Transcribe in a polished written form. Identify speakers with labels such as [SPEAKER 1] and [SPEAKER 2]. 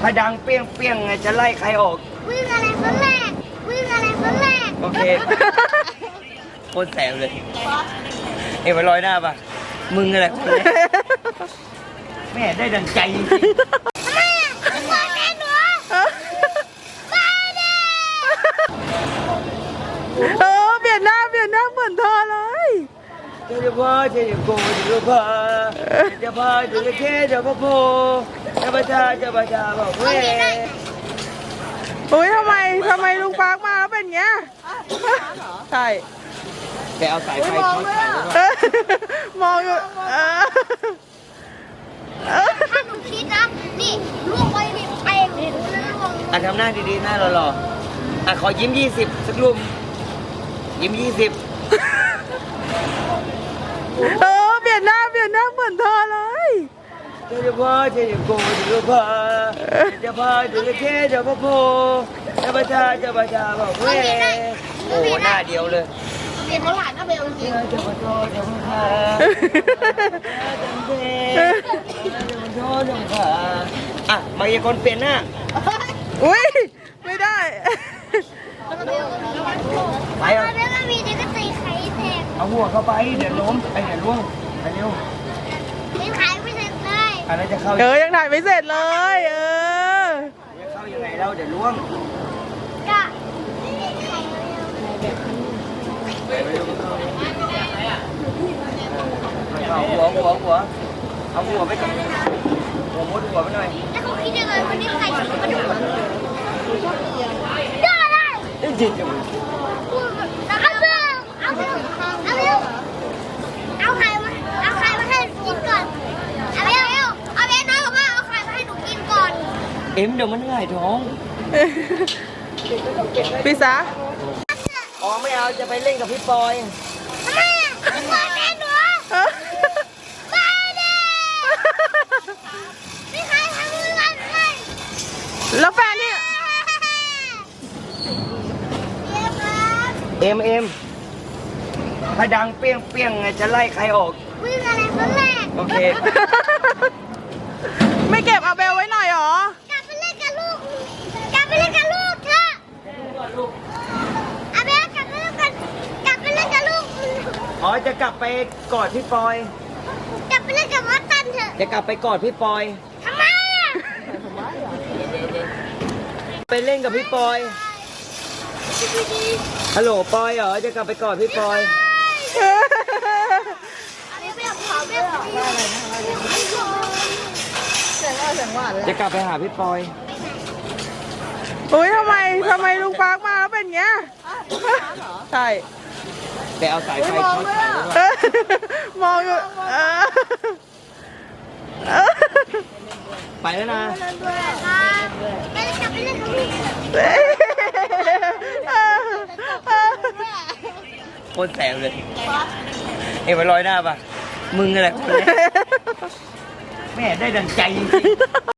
[SPEAKER 1] ถ้าดังเปี้ยงเปี้ยงไงจะไล่ใครออก
[SPEAKER 2] วิ่งอะไรคนแรกวิ่งอะไรคนแรก
[SPEAKER 1] โอเคโคตรแสบเลยเอ็มไปลอยหน้าป่ะมึงอะไรคนแรกแม่ได้ดังใจจริง
[SPEAKER 2] ทำไมอ่ะมาแน่หนูมาเด้
[SPEAKER 3] เปลี่ยนหน้าเหมือนเธอเลย
[SPEAKER 1] เจ้าพ่อเจ้าโกเจ้าพ่อเจ้าพ่อเจ้าแค่เจ้าพ่อโพเจ้าประชาบอกเว้ย
[SPEAKER 3] อุ้ยทำไมลุงปาร์คมาแล้วเป็นเงี้ยใช่
[SPEAKER 1] แกเอาสายไฟช็อตใส่
[SPEAKER 3] มองอยู่
[SPEAKER 2] ถ้าหนูคิดนะนี่ล่วงไปนี่ไปล่วง
[SPEAKER 1] อ่ะทำหน้าดีๆหน้าหล่อๆอ่ะขอยิ้ม20สักรูปยิ้ม20
[SPEAKER 3] เปลี่ยนหน้าเหมือนเธอเลย
[SPEAKER 1] เจ้าพ่อเจ้าโกเจ้าพ่อเจ้าพ่อเจ้าแค่เจ้าพ่อโพเจ้าประชาบอกเว้ยโอ้หน้าเดียวเลย
[SPEAKER 2] เห็นเขาหลานนะเบลจริง
[SPEAKER 1] เจ้าพ่อเจ้าพ่ออ่ะมายากลเปลี่ยนหน้า
[SPEAKER 3] อุ้ยไม่ได้
[SPEAKER 1] ไป
[SPEAKER 2] ต
[SPEAKER 1] เอา
[SPEAKER 2] อนนั้นมีเด็กก็ตีไข่แตก
[SPEAKER 1] เอาหัวเข้าไปเดี๋ยวล้มไปเดี๋ยวล่วงไปเร็ว
[SPEAKER 2] ตีไข่ไม่เสร็จเลย
[SPEAKER 1] อะไรจะเข้า
[SPEAKER 3] ยังถ่ายไม่เสร็จเลย
[SPEAKER 1] จะเข้ายังไงเราเดี๋ยวล่วง
[SPEAKER 2] ก็ไข่
[SPEAKER 1] เอาหัวเอาหัวไปก่อนหัวมุดหัวไปหน่อย
[SPEAKER 2] แล้วเขาคิดยังไงวันนี้ไข่ถึงมาดูได้ได้
[SPEAKER 1] เอ้ยจิตจัง
[SPEAKER 2] เอาเบลเอาไข่มาให้กินก่อนเอาเบลน้องบอกว่าเอาไข่มาให้หนูกินก่อน
[SPEAKER 1] เอ็มเดี๋ยวมันหงายท้อง
[SPEAKER 3] พี่สา
[SPEAKER 1] อ๋อไม่เอาจะไปเล่นกับพี่ปอย
[SPEAKER 2] ทำไมอ่ะมาแน่หนูมาเด้ไม่ใครทำมือกันเลย
[SPEAKER 3] แล้วแฟนนี่
[SPEAKER 2] เดี๋ยวครับ
[SPEAKER 1] เอ็มถ้าดังเปี้ยงเปี้ยงไงจะไล่ใครออก
[SPEAKER 2] วิ่งอะไรคนแรก
[SPEAKER 1] โอเค
[SPEAKER 3] ไม่เก็บอาเบลไว้หน่อยหรอ
[SPEAKER 2] กลับไปเล่นกับลูกกลับไปเล่นกับลูกเถอะอาเบลกลับไปเล่นกับลูก
[SPEAKER 1] อ๋อจะกลับไปกอดพี่ปอย
[SPEAKER 2] กลับไปเล่นกับวัดตันเถอะ
[SPEAKER 1] จะกลับไปกอดพี่ปอย
[SPEAKER 2] ทำไมอ่ะ
[SPEAKER 1] ไปเล่นกับพี่ปอยฮัลโหลปอยเหรอจะกลับไปกอดพี่ปอย
[SPEAKER 2] อาเบลขอเบล
[SPEAKER 1] จะกลับไปหาพี่ปอย
[SPEAKER 3] อุ้ยทำไมลุงปาร์คมาแล้วเป็นเงี้ยใช่
[SPEAKER 1] แต่เอาสายไฟช็อตใส่ด้วย
[SPEAKER 3] มองอยู่
[SPEAKER 1] ไปแล้วนะ
[SPEAKER 2] ไปกลับไปเล่นกับลูก
[SPEAKER 1] โคตรแสบเลยเอ็มไปลอยหน้าป่ะมึงอะไรคนแรกแม่ได้ดังใจจริง